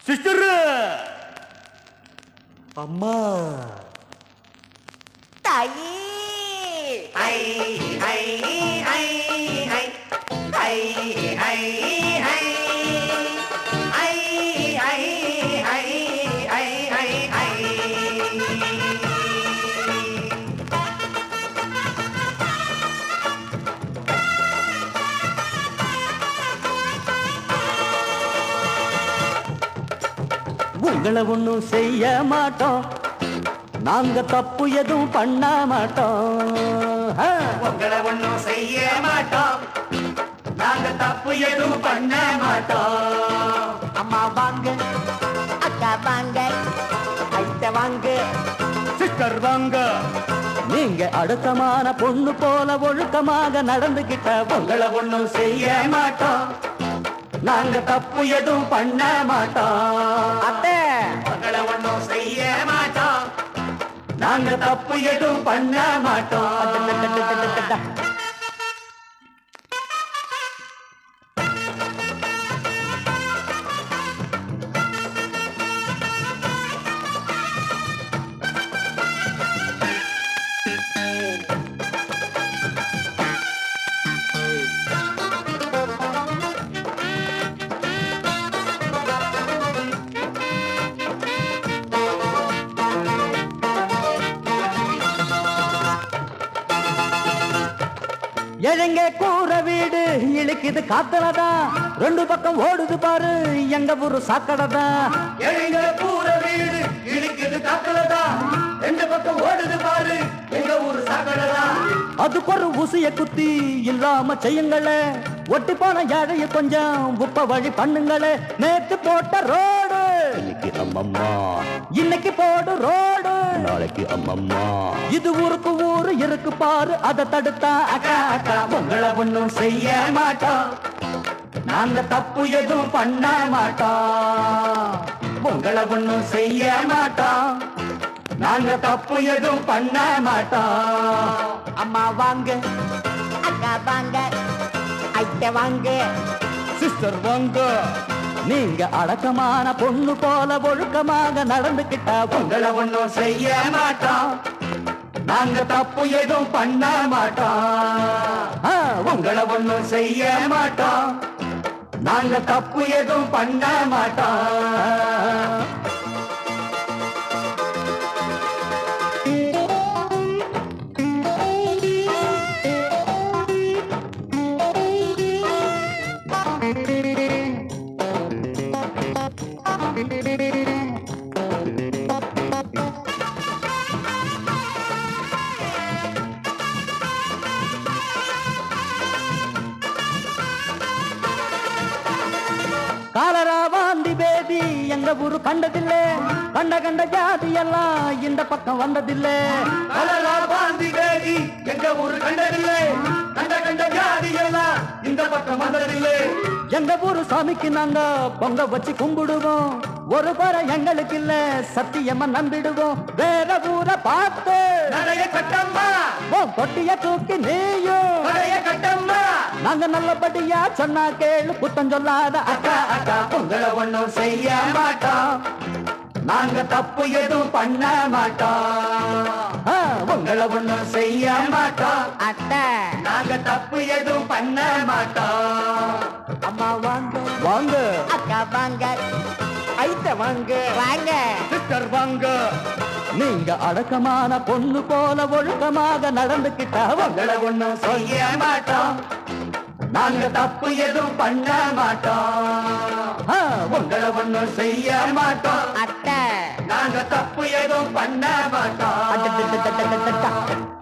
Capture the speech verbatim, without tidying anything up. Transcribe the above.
Sister அம்மா தாயே ஐ ஐ ஐ ஐ ஐ ஐ ஐ உங்களை ஒண்ணும் செய்ய மாட்டோம், நாங்க தப்பு எதுவும் பண்ண மாட்டோம். உங்களை ஒண்ணும் செய்ய மாட்டோம், நாங்க தப்பு எதுவும் பண்ண மாட்டோம். அம்மா வாங்க, அக்கா வாங்க, ஐட்ட வாங்க, சிஸ்டர் வாங்க. நீங்க அடுத்தமான பொண்ணு போல ஒழுக்கமாக நடந்துகிட்ட உங்களை ஒண்ணும் செய்ய மாட்டோம், நாங்க தப்பு எதுவும் பண்ண மாட்டோம். அத்தை உங்களை ஒண்ணும் செய்ய மாட்டோம், நாங்க தப்பு எதுவும் பண்ண மாட்டோம். எழங்க கூற வீடு இழுக்குது காத்தலதான், ரெண்டு பக்கம் ஓடுது பாரு எங்க ஊரு சாக்கடைதான். எழங்க கூற வீடு இழுக்குது காத்தலதான், ரெண்டு பக்கம் ஓடுது பாரு எங்க ஊரு சாக்கடைதான். அதுக்கு ஒரு ஊசிய குத்தி இல்லாம செய்யுங்களே, ஒட்டி போன ஏழைய கொஞ்சம் உப்ப வழி பண்ணுங்களே. நேத்து போட்ட ரோடு இன்னைக்கு அம்மம்மா, இன்னைக்கு போடு ரோடு நாளைக்கு அம்மம்மா. இது ஊருக்கு ஊரு இருக்கு பாரு, அதை தடுத்தா அக்கா அக்கா. உங்களை ஒண்ணும் செய்ய மாட்டோம், நாங்க தப்பு எதுவும் பண்ண மாட்டோம். உங்களை ஒண்ணும் செய்ய மாட்டோம், நாங்க தப்பு எதுவும் பண்ண மாட்டோம். அம்மா வாங்க, அக்கா வாங்க, ஐட்ட வாங்க, சிஸ்டர் வாங்க. நீங்க அடக்கமான பொண்ணு போல ஒழுக்கமாக நடந்துகிட்ட உங்களை ஒண்ணும் செய்ய மாட்டோம், நாங்க தப்பு எதுவும் பண்ண மாட்டோம். உங்களை ஒண்ணும் செய்ய மாட்டோம், நாங்க தப்பு எதுவும் பண்ண மாட்டோம். காலரா வாந்தி பேதி எங்க ஊரு கண்டதில்லை, கண்ட கண்ட ஜாதி எல்லாம் இந்த பக்கம் வந்ததில்லை. காலரா வாந்தி பேதி எங்க ஊரு கண்டதில்லை, கண்ட கண்ட ஜாதி எல்லாம் இந்த பக்கம் வந்ததில்லை. எங்க ஊரு சாமிக்கு நாங்க பொங்க வச்சு கும்பிடுவோம், ஒரு பறை எங்களுக்கு இல்ல சத்தியமா நம்பிடுவோம். வேற ஊரை பார்த்து நிறைய கட்டம்மா, கொட்டிய தூக்கி நீயும் நிறைய கட்டம்மா. நாங்க நல்லபடியா சொன்னா கேளு, குத்தம் சொல்லாத அக்கா அக்கா. உங்களை ஒண்ணும் செய்ய மாட்டோம், நாங்க தப்பு எதுவும் பண்ண மாட்டோம். உங்களை ஒண்ணும் செய்ய மாட்டோம், அத்தை நாங்க தப்பு எதுவும் பண்ண மாட்டோம். அம்மா வாங்க, வாங்க, அக்கா வாங்க, ஐட்ட வாங்க, வாங்க, சிஸ்டர் வாங்க. நீங்க அடக்கமான பொண்ணு போல ஒழுக்கமாக நடந்துகிட்டா உங்களை ஒண்ணும் செய்ய மாட்டோம், நாங்க தப்பு எதுவும் பண்ண மாட்டோம். உங்களை ஒண்ணும் செய்ய மாட்டோம், அத்தை நாங்க தப்பு எதுவும் பண்ண மாட்டோம்.